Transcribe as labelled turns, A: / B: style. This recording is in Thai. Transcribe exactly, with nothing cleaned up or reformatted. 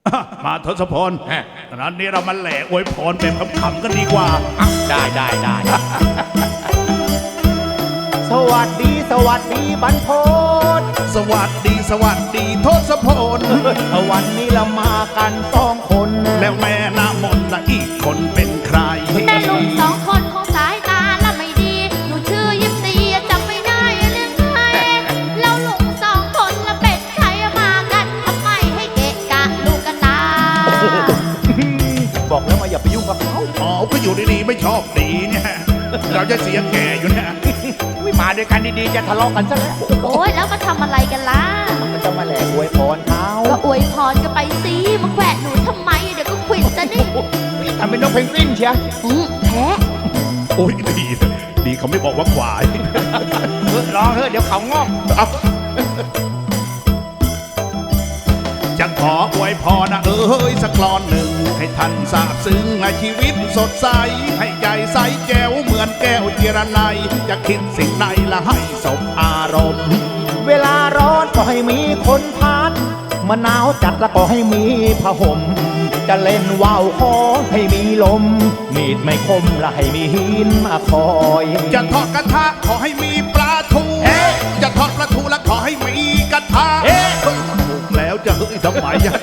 A: มาทศพลนั้นนี้เรามาแหล่อวยพรแบบขำๆกันดีกว่า
B: ได้ได้ได้
C: สวัสดีสวัสดีบรรพต
A: สวัสดีสวัสดีทศพล
C: วันนี้เรามากันสองคน
A: แล้วแม่น้ำมนต์ละอีกคนเป็นใคร
D: แม่ลูกสองคนของสายตาละไม่ดี หนูชื่อยิปซีจำไม่ได้เรื่องใครแล้วลุงสองคนละเป็นใครมากันทำไมให้เกะกะลูกกระตา
C: บอกแล้วว่าอย่าไปยุ่งกับเขา
A: อ๋อก็อยู่ดีๆไม่ชอบดีเนี่ยเราจะเสียแก่อยู่เนี่ย
C: อุ๊ยมาด้วยกันดีๆจะทะเลาะกันซะแล้ว
D: โอ้ยแล้วมาทำอะไรกันล่ะ
C: มันจะมาแหลกอวยพรเขา
D: ก็อวยพรกันไปสิมาแขวะหนูทำไมเดี๋ยวก็ขวิดจะนี่
C: ทำเป็นนกเพนกวินเชีย
D: อืมแพ้
A: โอ้ยดีดีเขาไม่บอกว่าควาย
C: เออรอเถอะเดี๋ยวเขางอก
A: เอาจะขออวยพรนะเอ้ยสักกลอนหนึ่งให้ท่านทราบซึ้งในชีวิตสดใสให้ใจใสแก้วเหมือนแก้วเจรไนยจะคิดสิ่งใดละให้สมอารมณ์
C: เวลาร้อนก็ให้มีคนพัดมะนาวจัดแล้วก็ให้มีผ้าห่มจะเล่นว่าวขอให้มีลม มีดไม่คมและให้มีหินมาคอย
A: จะทอดกระทะขอให้มีปลาทู
C: เอ๊ะ
A: จะทอดปลาทูแล้วขอให้มีกระทะ
C: เอ๊ะ
A: ถูกแล้วจะเฮ้ยทำไมอะ